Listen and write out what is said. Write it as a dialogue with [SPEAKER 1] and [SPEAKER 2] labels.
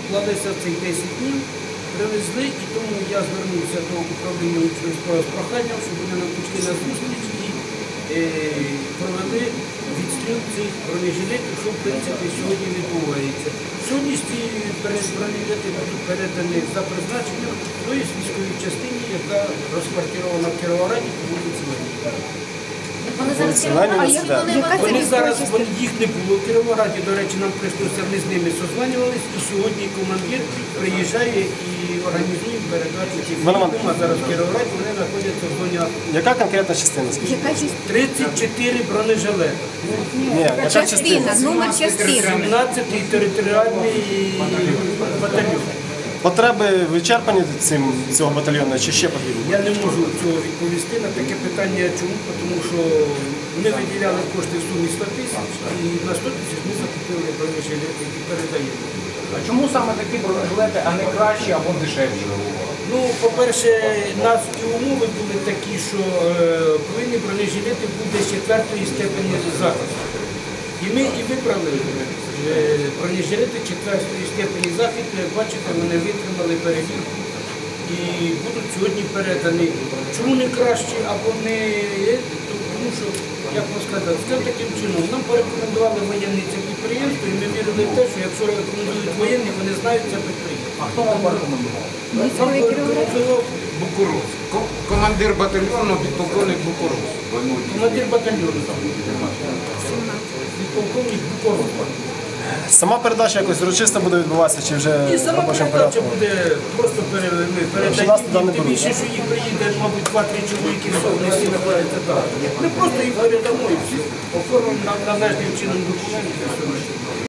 [SPEAKER 1] вклалися в цих 10 днів, привезли, і тому я звернувся до управління внутрішніх справ з проханням, щоб вони нам пішли на зустріч і провели відстріл цих бронежилетів, що в принципі сьогодні відбувається. Сьогодні ці бронежилети будуть передані за призначенням тої військовій частині, яка розквартирована в Кіровограді по вулиці Леніна. Вони зараз, їх не було в Кіровограді, до речі, нам прийшлося, ми з ними созванювались, і сьогодні командир приїжджає і організує передачу цих військових, а зараз в Кіровограді вони знаходяться в зоні АТО.
[SPEAKER 2] Яка конкретна частина?
[SPEAKER 1] 34 бронежилети.
[SPEAKER 2] Ні, яка частина?
[SPEAKER 3] Номер частини.
[SPEAKER 1] 17-й територіальний батальйон.
[SPEAKER 2] Потреби вичерпані цього батальйону чи ще потрібні?
[SPEAKER 1] Я не можу цього відповісти на таке питання. Чому? Тому що ми виділяли кошти в сумі 100 тисяч, і на 100 тисяч ми закупили бронежилети і передаємо.
[SPEAKER 4] А чому саме такі бронежилети, а не кращі або дешевші?
[SPEAKER 1] Ну, по-перше, нас і умови були такі, що повинні бронежилети бути 4-ї степені захисту. І ми і вибрали бронежилети 4-ї степені захисту, як бачите, вони витримали перевірку і будуть сьогодні передані. Чому не кращі або не є? Тому що, як вам сказати, таким чином, нам порекомендували воєнні це підприємство, і ми вірили в те, що якщо рекомендують воєнні, вони знають це підприємство.
[SPEAKER 4] А хто вам порекомендував?
[SPEAKER 1] Нам порекомендував
[SPEAKER 4] Букуруз. Командир батальйону, підполковник Букуруз.
[SPEAKER 1] командир батальйону. Підполковник Букуруз.
[SPEAKER 2] Сама передача якось урочисто буде відбуватися чи вже
[SPEAKER 1] І сама
[SPEAKER 2] робочим
[SPEAKER 1] передача
[SPEAKER 2] порядком?
[SPEAKER 1] буде просто передаємо, тим більше, що їх приїде, мабуть, 2-3 чоловіки, вони всі знаходяться так. Ми просто їх передамо і все. Оформимо належним чином документи.